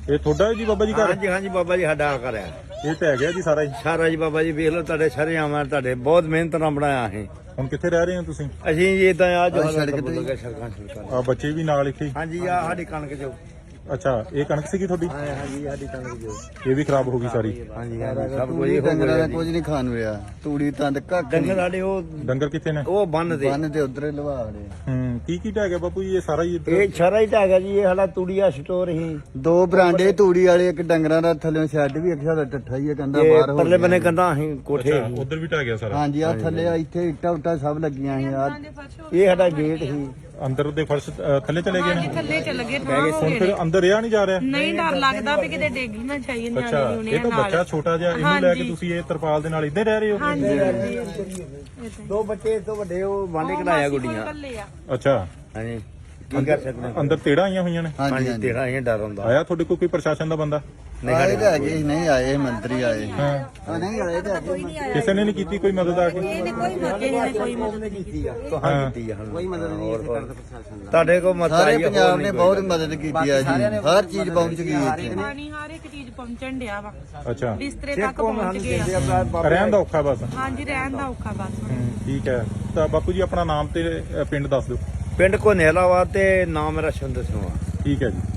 ਇਹ ਤੁਹਾਡਾ ਹੈ ਜੀ ਬਾਬਾ ਜੀ ਘਰ? ਹਾਂਜੀ ਹਾਂਜੀ ਬਾਬਾ ਜੀ ਸਾਡਾ ਘਰ ਹੈ। ਇਹ ਢਹਿ ਗਿਆ ਜੀ ਸਾਰਾ ਹੀ? ਸਾਰਾ ਜੀ ਬਾਬਾ ਜੀ ਵੇਖ ਲਓ ਤੁਹਾਡੇ ਸਾਰੇ ਆਵਾਂ ਤੁਹਾਡੇ ਬਹੁਤ ਮਿਹਨਤ ਨਾਲ ਬਣਾਇਆ ਅਸੀਂ। ਹੁਣ ਕਿੱਥੇ ਰਹਿ ਰਹੇ ਹੋ ਤੁਸੀਂ? ਅਸੀਂ ਜੀ ਇਦਾਂ ਆ ਜੋ ਸੜਕ ਤੇ ਸੜਕਾਂ ਆ ਬੱਚੇ ਵੀ ਨਾਲ ਇੱਥੇ ਹੀ? ਹਾਂਜੀ ਆ ਸਾਡੀ ਕਣਕ ਜੋ। ਅੱਛਾ, ਇਹ ਕਣਕ ਸੀਗੀ ਤੁਹਾਡੀ? ਹਾਂਜੀ ਸਾਡੀ ਕਣਕ ਜੋ। ਇਹ ਵੀ ਖਰਾਬ ਹੋ ਗਈ ਸਾਰੀ? ਹਾਂਜੀ ਸਭ ਕੁਝ ਕੋਈ ਡੰਗਰਾਂ ਦਾ ਕੁਝ ਨਹੀਂ ਖਾਣ ਰਿਹਾ। ਤੂੜੀ ਤੰਦ ਕੱਖ ਡੰਗਰ ਸਾਡੇ ਉਹ ਡੰਗਰ ਕਿੱਥੇ ਨੇ? ਉਹ ਬੰਨ ਦੇ ਬੰਨ ਤੇ ਉਧਰੇ ਲਵਾ ਰਹੇ। ਕੀ ਢਹਿ ਗਿਆ ਬਾਪੂ ਜੀ ਇਹ ਸਾਰਾ ਹੀ? ਇਹ ਸਾਰਾ ਹੀ ਢਾਗਾ ਜੀ। ਇਹ ਸਾਡਾ ਤੂੜੀਆ ਸਟੋਰ ਸੀ। 2 ਬਰਾਂਡੇ ਤੂੜੀ ਵਾਲੇ, ਇੱਕ ਡੰਗਰਾਂ ਦਾ ਥੱਲੇ ਸ਼ੈੱਡ ਵੀ ਇੱਕ ਸਾਡਾ ਟੱਠਾ ਹੀ ਹੈ, ਕਹਿੰਦਾ ਬਾਹਰ ਹੋ ਪਰਲੇ ਬੰਨੇ ਕੰਧਾਂ ਅਸੀਂ ਕੋਠੇ। ਉਧਰ ਵੀ ਢਹਿ ਗਿਆ ਸਾਰਾ? ਹਾਂਜੀ ਆ ਥੱਲੇ ਇੱਥੇ ਇੱਟਾਂ ਉੱਟਾਂ ਸਭ ਲੱਗੀਆਂ ਸੀ। ਆ ਇਹ ਸਾਡਾ ਗੇਟ ਸੀ। ਅੰਦਰ ਦੇ ਫਰਸ਼ ਥੱਲੇ ਚਲੇ ਗਏ ਨੇ? ਥੱਲੇ ਚੱਲ ਗਏ ਠਾਂ ਹੋ ਹੁਣ ਫਿਰ ਅੰਦਰ ਰਿਹਾ ਨਹੀਂ ਜਾ ਰਿਹਾ? ਨਹੀਂ, ਡਰ ਲੱਗਦਾ ਵੀ ਕਿਤੇ ਡੇਗੀ ਨਾ ਚਾਹੀਏ ਅੱਛਾ, ਇਹ ਤਾਂ ਬੱਚਾ ਛੋਟਾ ਜਿਹਾ, ਇਹਨੂੰ ਲੈ ਕੇ ਤੁਸੀਂ ਇਹ ਤਰਪਾਲ ਦੇ ਨਾਲ ਇੱਦਾਂ ਰਹਿ ਰਹੇ ਹੋ? ਹਾਂਜੀ। 2 ਬੱਚੇ ਇਸ ਤੋਂ ਵੱਡੇ ਉਹ ਵਾਂਡੇ ਕਢਾਇਆ ਗੁੱਡੀਆਂ। ਅੱਛਾ, ਹਾਂਜੀ ਕੀ ਕਰ ਸਕਦੇ ਅੰਦਰ ਤੇੜਾਂ ਆਈਆਂ ਹੋਈਆਂ ਨੇ? ਹਾਂਜੀ ਹਾਂਜੀ ਤੇਰਾ ਇਹ ਡਰ ਹੁੰਦਾ। ਆਇਆ ਤੁਹਾਡੇ ਕੋਲ ਕੋਈ ਪ੍ਰਸ਼ਾਸਨ ਦਾ ਬੰਦਾ? ਆਏ ਤਾਂ ਹੈਗੇ ਸੀ, ਨਹੀਂ ਆਏ ਮੰਤਰੀ ਆਏ। ਹਾਂ, ਨਹੀਂ ਆਏ ਤਾਂ ਹੈਗੇ। ਕਿਸੇ ਨੇ ਨਹੀਂ ਕੀਤੀ ਕੋਈ ਮਦਦ ਆ ਕੇ? ਕੋਈ ਮਦਦ ਨਹੀਂ ਕੀਤੀ ਆ। ਕਹਾਂ ਕੀਤੀ ਆ? ਕੋਈ ਮਦਦ ਨਹੀਂ ਕੀਤੀ ਤੁਹਾਡੇ ਕੋਲ ਮਤ ਸਾਰੇ ਆਈ ਆ? ਪੰਜਾਬ ਨੇ ਬਹੁਤ ਮਦਦ ਕੀਤੀ ਆ ਜੀ। ਹਰ ਚੀਜ਼ ਪਹੁੰਚ ਗਈ ਇੱਥੇ। ਪਾਣੀ ਹਰ ਇੱਕ ਚੀਜ਼ ਪਹੁੰਚਣ ਡਿਆ ਵਾ। ਅੱਛਾ, ਬਿਸਤਰੇ ਤੱਕ ਪਹੁੰਚ ਗਏ ਆ। ਰਹਿਣ ਦਾ ਔਖਾ ਬਸ? ਹਾਂਜੀ, ਰਹਿਣ ਦਾ ਔਖਾ ਬਸ। ਠੀਕ ਹੈ। ਤਾਂ ਬਾਪੂ ਜੀ ਆਪਣਾ ਨਾਮ ਤੇ ਪਿੰਡ ਦੱਸ ਦਿਓ। ਪਿੰਡ ਕੋ ਨੇਲਾਵਾ ਤੇ ਨਾਮ ਮੇਰਾ ਸ਼ੰਦਰ ਸਿੰਘ। ਠੀਕ ਹੈ ਜੀ।